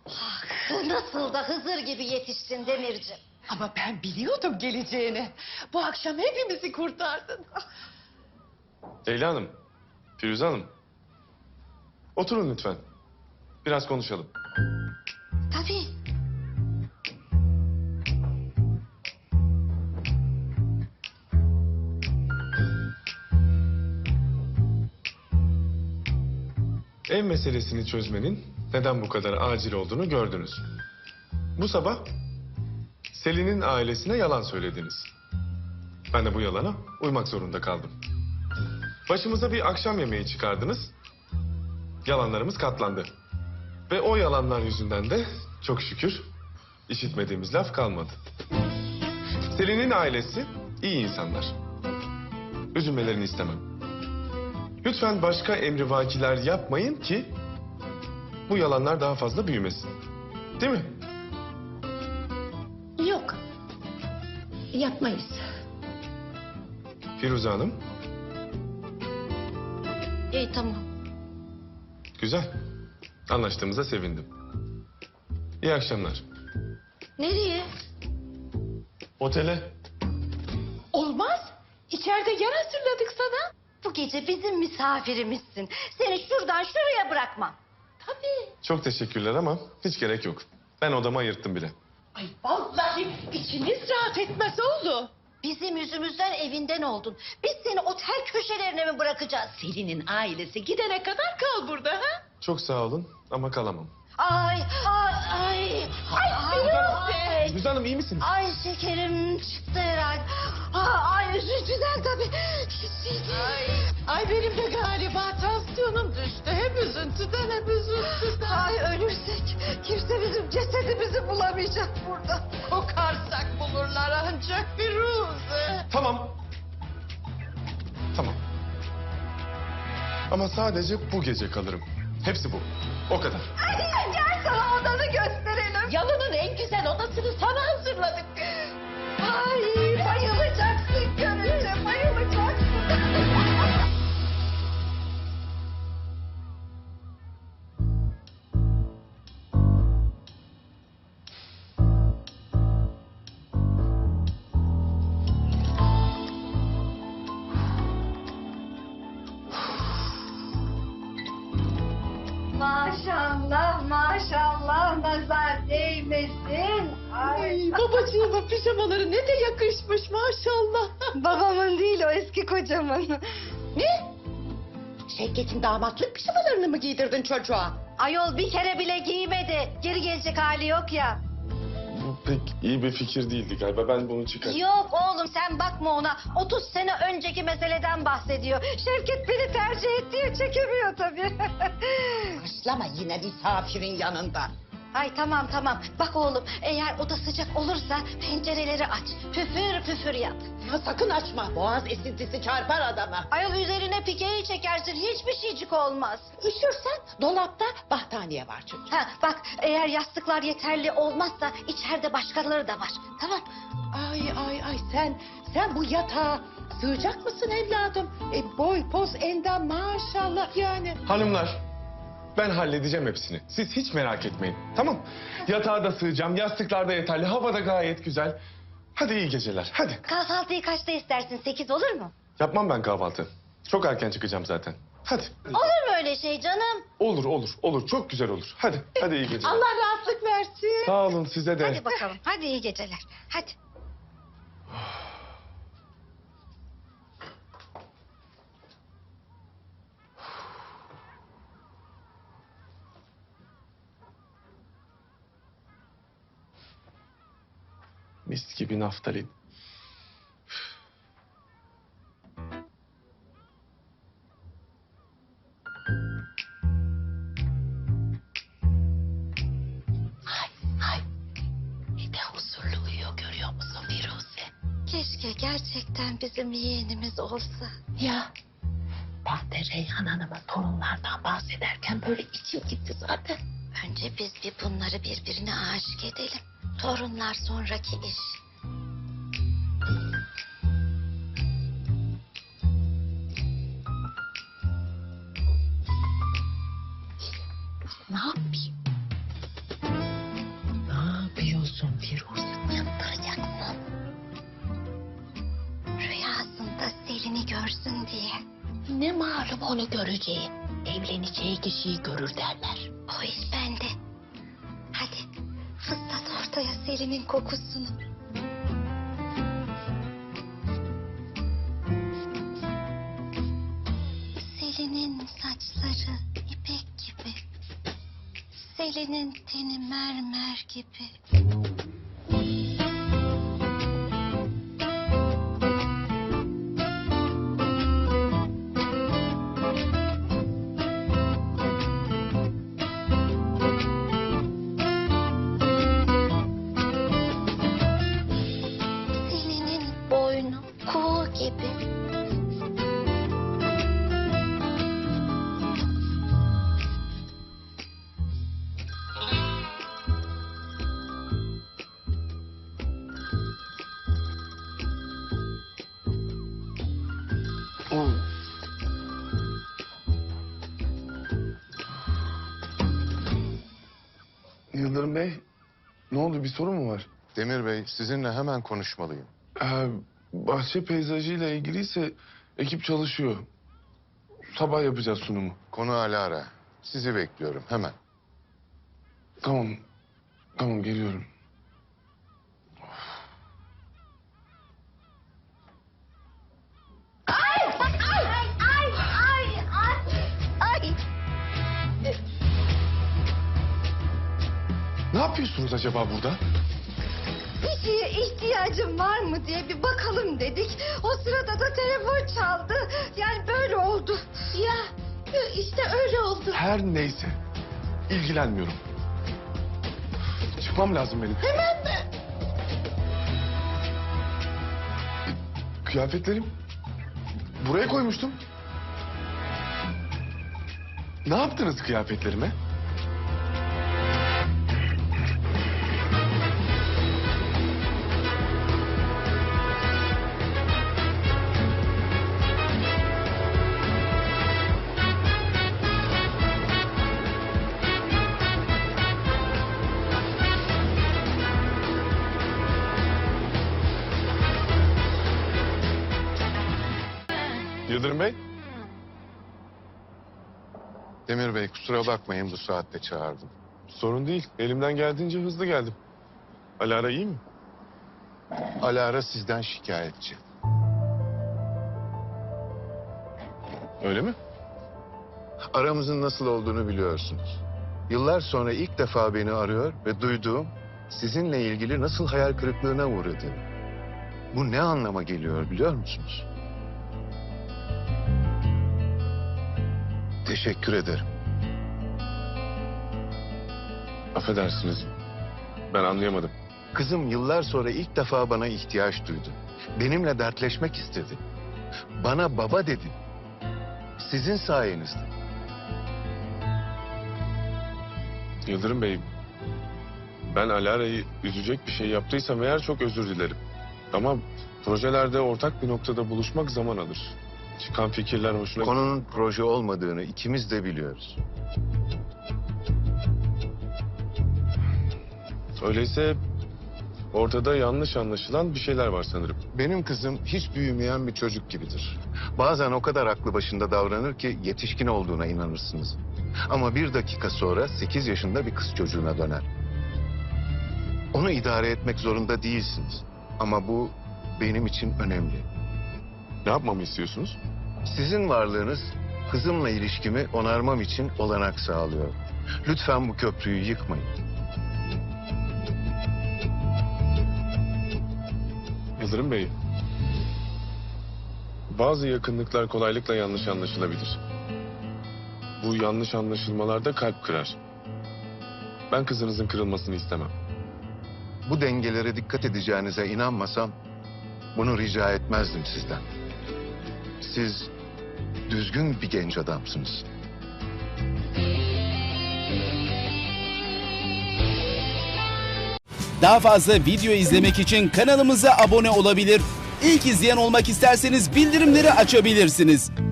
Ah, nasıl da Hızır gibi yetiştin Demirciğim. Ama ben biliyordum geleceğini. Bu akşam hepimizi kurtardın. Leyla Hanım, Firuze Hanım. Oturun lütfen. Biraz konuşalım. Tabii. Ev meselesini çözmenin neden bu kadar acil olduğunu gördünüz. Bu sabah Selin'in ailesine yalan söylediniz. Ben de bu yalana uymak zorunda kaldım. Başımıza bir akşam yemeği çıkardınız. Yalanlarımız katlandı. Ve o yalanlar yüzünden de çok şükür işitmediğimiz laf kalmadı. Selin'in ailesi iyi insanlar. Üzülmelerini istemem. Lütfen başka emrivakiler yapmayın ki bu yalanlar daha fazla büyümesin. Değil mi? Yok. Yapmayız. Firuze Hanım, İyi tamam. güzel. Anlaştığımıza sevindim. İyi akşamlar. Nereye? Otele. Olmaz. İçeride yer hazırladık sana. Bu gece bizim misafirimizsin. Seni şuradan şuraya bırakmam. Tabii. Çok teşekkürler ama hiç gerek yok. Ben odamı ayırttım bile. Ay vallahi içimiz rahat etmez oldu. Bizim yüzümüzden evinden oldun. Biz seni otel köşelerine mi bırakacağız? Selin'in ailesi gidene kadar kal burada ha? Çok sağ olun ama kalamam. Ay, ay, ay. Ay, Firuze Hanım iyi misiniz? ay şekerim çıktı herhalde. Ay üzüntüden tabii. Ay benim de galiba tansiyonum düştü. Hem üzüntüden hem üzüntüden. Ay ölürsek kimse bizim cesedimizi bulamayacak burada. Kokarsak bulurlar ancak Firuze. Tamam. Tamam. Ama sadece bu gece kalırım. Hepsi bu. O kadar. Ay, gel sana odanı gösterelim. Yalının en güzel odasını sana hazırladık. Ay bayılacaksın görünce bayılacaksın. Maşallah maşallah nazar değmesin. Ay, babacığımın pijamaları ne de yakışmış maşallah. Babamın değil o eski kocamın. Ne? Şevket'in damatlık pijamalarını mı giydirdin çocuğa? Ayol bir kere bile giymedi. Geri gelecek hali yok ya. Bu pek iyi bir fikir değildi galiba. Ben bunu çıkartayım. Yok oğlum sen bakma ona. 30 sene önceki meseleden bahsediyor. Şevket beni tercih ettiği çekemiyor tabii. Başlama yine misafirin yanında. Ay tamam tamam. Bak oğlum eğer oda sıcak olursa pencereleri aç. Püfür püfür yat. Ya sakın açma. Boğaz esintisi çarpar adama. Ayol üzerine pikeyi çekersin hiçbir şeycik olmaz. Üşürsen dolapta battaniye var çocuğum. Ha bak eğer yastıklar yeterli olmazsa içeride başkaları da var. Tamam. Ay sen bu yatağa sığacak mısın evladım? Boy poz endam maşallah yani. Hanımlar, ben halledeceğim hepsini. Siz hiç merak etmeyin. Tamam. Yatağa da sığacağım. Yastıklar da yeterli. Hava da gayet güzel. Hadi iyi geceler. Hadi. Kahvaltıyı kaçta istersin? 8 olur mu? Yapmam ben kahvaltı. Çok erken çıkacağım zaten. Hadi. Olur mu öyle şey canım? Olur, olur, olur. Çok güzel olur. Hadi. Hadi iyi geceler. Allah rahatlık versin. Sağ olun size de. Hadi bakalım. Hadi iyi geceler. Hadi. Mis gibi naftalin. Ay ne de huzurlu uyuyor görüyor musun Firuze? Keşke gerçekten bizim yeğenimiz olsa. Ya ben de Reyhan Hanım'ın torunlardan bahsederken böyle içim gitti zaten. Önce biz bir bunları birbirine aşık edelim. Torunlar sonraki iş. Ne yapayım? musun Firuze? Yaptıracaksın. Rüyasında Selin'i görsün diye. Ne malum onu göreceği. Evleneceği kişiyi görür derler. O iş bende. Hadi fıstat ortaya Selin'in kokusunu. Selin'in saçları ipek gibi. Selin'in teni mermer gibi. Selin'in boynu kuğu gibi. Yıldırım Bey, ne oldu? Bir sorun mu var? Demir Bey, sizinle hemen konuşmalıyım. Bahçe peyzajıyla ilgiliyse ekip çalışıyor. Sabah yapacağız sunumu. Konu Alara. Sizi bekliyorum hemen. Tamam, tamam geliyorum. Ay. Ne yapıyorsunuz acaba burada? Bir şeye ihtiyacım var mı diye bir bakalım dedik. O sırada da telefon çaldı. Yani böyle oldu. Ya işte öyle oldu. Her neyse, ilgilenmiyorum. Çıkmam lazım benim. Hemen mi? Kıyafetlerim buraya koymuştum. Ne yaptınız kıyafetlerime? Yıldırım Bey, Demir Bey, kusura bakmayın bu saatte çağırdım. sorun değil. Elimden geldiğince hızlı geldim. Alara iyi mi? Alara sizden şikayetçi. Öyle mi? Aramızın nasıl olduğunu biliyorsunuz. Yıllar sonra ilk defa beni arıyor ve duyduğum sizinle ilgili nasıl hayal kırıklığına uğradığını. Bu ne anlama geliyor biliyor musunuz? Teşekkür ederim. Affedersiniz. Ben anlayamadım. Kızım yıllar sonra ilk defa bana ihtiyaç duydu. Benimle dertleşmek istedi. Bana baba dedi. Sizin sayenizde. Yıldırım Bey, ben Alara'yı üzecek bir şey yaptıysam eğer çok özür dilerim. Ama projelerde ortak bir noktada buluşmak zaman alır. Çıkan fikirler hoşuna... Konunun proje olmadığını ikimiz de biliyoruz. Öyleyse ortada yanlış anlaşılan bir şeyler var sanırım. Benim kızım hiç büyümeyen bir çocuk gibidir. Bazen o kadar aklı başında davranır ki yetişkin olduğuna inanırsınız. Ama bir dakika sonra 8 yaşında bir kız çocuğuna döner. Onu idare etmek zorunda değilsiniz. Ama bu benim için önemli. Ne yapmamı istiyorsunuz? Sizin varlığınız kızımla ilişkimi onarmam için olanak sağlıyor. Lütfen bu köprüyü yıkmayın. Yıldırım Bey, bazı yakınlıklar kolaylıkla yanlış anlaşılabilir. Bu yanlış anlaşılmalarda kalp kırar. Ben kızınızın kırılmasını istemem. Bu dengelere dikkat edeceğinize inanmasam bunu rica etmezdim sizden. Siz düzgün bir genç adamsınız. Daha fazla video izlemek için kanalımıza abone olabilir. İlk izleyen olmak isterseniz bildirimleri açabilirsiniz.